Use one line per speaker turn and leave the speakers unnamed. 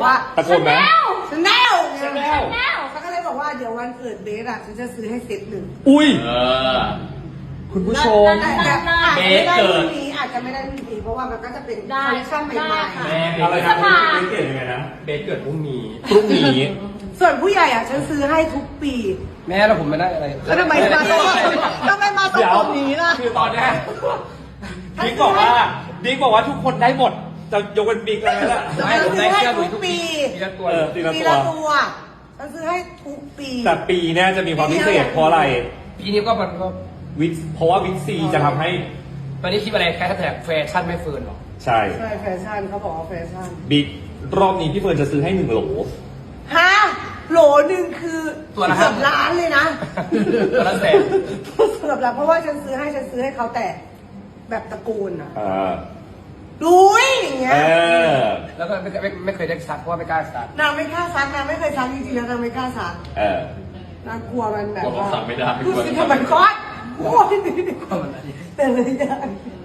ว่า
ตะโกนไหม
ชาแนล
Chanel
เขาก็เลยบอกว่าเดี๋ยววันเกิดเบสอ่ะฉันจะซื้อให้เซตหนึ่ง
อุ้ย
อ
คุณผู้ชม
แต่อาจจะไม่ได้รุ่นนี้อาจจะไม่ได้รุ่นนี้เพราะว่ามันก็จะเป็นคอลเลคชั่นใหม่ๆ
แม่
อะไร
เบ
นะ
ส
คุณเกิดยังไงนะ
เบสเกิดพรุ่งนี้
พรุ่งนี้
ส่วนผู้ใหญ่อ่ะฉันซื้อให้ทุกปี
แม่แล้วผมไม่ได้อะไร
แล้วทำไมมาตรงนี้ล่ะ
คือตอนเนี้ยบิ๊กบอกว่าทุกคนได้หมดจะยกเป็นบิ๊กเลยนะ
ไม่ผมได้เสื้อมือทุกปี
ทีละตัวทีละ
ปี
ตัว
ละตัวฉันซื้อให้ทุกปี
แต่ปีเนี้ยจะมีความพิเศษเพราะอะไร
ปีนี้ก็มันก็
เพราะว่าวิกซีจะทำให้
ตอนนี้คิดอะไรแค่แท็กแฟชั่นไม่เฟิร์นหรอ
ใช่
ใช่แฟชั่นเขาบอกว่าแฟชั่น
บิ๊กรอบนี้พี่เฟิร์นจะซื้อให้1 โหล
ฮะโหลหนึ่งคือ
ตัวละ
เกือบล้านเลยนะ
ตัวละแสน
เกือบล้านเพราะว่าฉันซื้อให้เขาแต่แบบตะโกนอ่ะ ดุยอย่างเงี้ย
แล้วก็ไม่เคยได้ซักเพราะว่าไม่กล้าซัก
นางไม่กล้าซักนางไม่เคยซักจริงๆแล้วนางไม่กล้าซักนางกลัวมันแบบว่า
สั่งไม่ได้
ดูสิทำไมก้อนโอ้ยแต่เลยยัง